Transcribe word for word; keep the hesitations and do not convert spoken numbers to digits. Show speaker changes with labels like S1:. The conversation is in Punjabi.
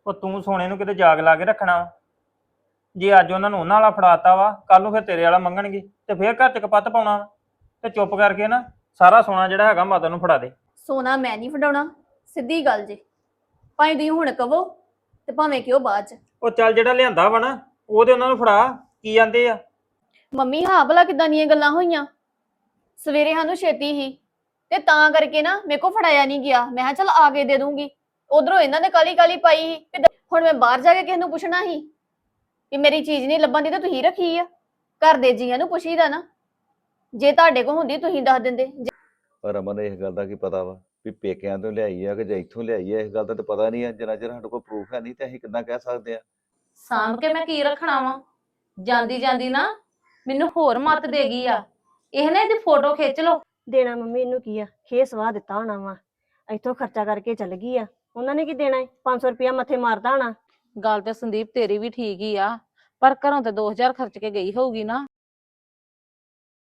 S1: ਉਹ ਤੂੰ ਸੋਨੇ ਨੂੰ ਕਿਤੇ ਜਾਗ ਲਾ ਕੇ ਰੱਖਣਾ ਵਾ। ਜੇ ਅੱਜ ਉਹਨਾਂ ਨੂੰ ਉਹਨਾਂ ਵਾਲਾ ਫੜਾਤਾ ਵਾ, ਕੱਲ ਨੂੰ ਫਿਰ ਤੇਰੇ ਵਾਲਾ ਮੰਗਣਗੇ ਤੇ ਫਿਰ ਘਰ ਚ ਕਪੱਤ ਪਾਉਣਾ ਵਾ। ਤੇ ਚੁੱਪ ਕਰਕੇ ਨਾ ਸਾਰਾ ਸੋਨਾ ਜਿਹੜਾ ਹੈਗਾ ਮਾਤਾ ਨੂੰ ਫੜਾ ਦੇ।
S2: ਸੋਨਾ ਮੈਂ ਨਹੀਂ ਫੜਾਉਣਾ, ਸਿੱਧੀ ਗੱਲ ਜੇ। ਭਾਵੇਂ ਤੁਸੀਂ ਹੁਣ ਕਹੋ ਤੇ ਭਾਵੇਂ ਕਿਉਂ ਬਾਅਦ ਚ।
S1: ਉਹ ਚੱਲ ਜਿਹੜਾ ਲਿਆਂਦਾ ਵਾ ਨਾ ਉਹ ਤੇ ਉਹਨਾਂ ਨੂੰ ਫੜਾ। ਕੀ ਜਾਂਦੇ ਆ?
S2: ਮੰਮੀ ਹਾਂ ਭਲਾ ਕਿਦਾਂ ਦੀਆਂ ਗੱਲਾਂ ਹੋਈਆਂ? ਸਵੇਰੇ ਸਾਨੂੰ ਛੇਤੀ ਹੀ ਤੇ ਤਾਂ ਕਰਕੇ ਨਾ ਮੇਰੇ ਕੋ ਫੜਾਇਆ ਨਹੀਂ ਗਿਆ। ਮੈਂ ਕਿਹਾ ਚੱਲ ਆ ਕੇ ਦੇ ਦੂੰਗੀ। ਉਧਰੋਂ ਇਹਨਾਂ ਨੇ ਕਾਲੀ ਕਾਲੀ ਪਾਈ ਸੀ ਤੇ ਹੁਣ ਮੈਂ ਬਾਹਰ ਜਾ ਕੇ ਕਿਸੇ ਨੂੰ ਪੁੱਛਣਾ ਸੀ ਕਿ ਮੇਰੀ ਚੀਜ਼ ਨਹੀਂ ਲੱਭਣ ਦੀ ਤਾਂ ਤੁਸੀਂ ਰੱਖੀ ਆ। ਘਰ ਦੇ ਜੀਆਂ ਨੂੰ ਪੁੱਛੀਦਾ ਨਾ, ਜੇ ਤੁਹਾਡੇ ਕੋਲ ਹੁੰਦੀ ਤੁਸੀਂ ਦੱਸ ਦਿੰਦੇ।
S3: ਪਰ ਰਮਨ ਇਸ ਗੱਲ ਦਾ ਕੀ ਪਤਾ ਵਾ ਵੀ ਪੇਕਿਆਂ ਤੋਂ ਲਿਆਈ ਆ ਕਿ ਜਾਂ ਇੱਥੋਂ ਲਿਆਈ ਆ, ਇਸ ਗੱਲ ਦਾ ਤਾਂ ਪਤਾ ਨਹੀਂ ਆ। ਜਿੰਨਾ ਚਿਰ ਸਾਡੇ ਕੋਲ ਪ੍ਰੂਫ ਹੈ ਨਹੀਂ ਤੇ ਅਸੀਂ ਕਿੱਦਾਂ ਕਹਿ ਸਕਦੇ ਆ।
S4: ਸਾਂਭ ਕੇ ਮੈਂ ਕੀ ਰੱਖਣਾ ਵਾ? ਜਾਂਦੀ ਜਾਂਦੀ ਨਾ ਮੈਨੂੰ ਹੋਰ ਮੱਤ ਦੇ ਗਈ ਆ। ਇਹ ਨਾ ਇਹਦੀ ਫੋਟੋ ਖਿੱਚ ਲਓ।
S5: ਦੇਣਾ ਮੰਮੀ ਇਹਨੂੰ ਕੀ ਆ? ਖੇ ਸਵਾਹ ਦਿੱਤਾ ਹੋਣਾ ਵਾ, ਇੱਥੋਂ ਖਰਚਾ ਕਰਕੇ ਚੱਲ ਗਈ ਆ। ਉਹਨਾਂ ਨੇ ਕੀ ਦੇਣਾ ਹੈ? ਪੰਜ ਸੌ ਰੁਪਇਆ ਮੱਥੇ ਮਾਰਦਾ ਹੋਣਾ।
S4: ਗੱਲ ਤੇ ਸੰਦੀਪ ਤੇਰੀ ਵੀ ਠੀਕ ਹੀ ਆ, ਪਰ ਘਰੋਂ ਤੇ ਦੋ ਹਜ਼ਾਰ ਖਰਚ ਕੇ ਗਈ ਹੋਊਗੀ ਨਾ।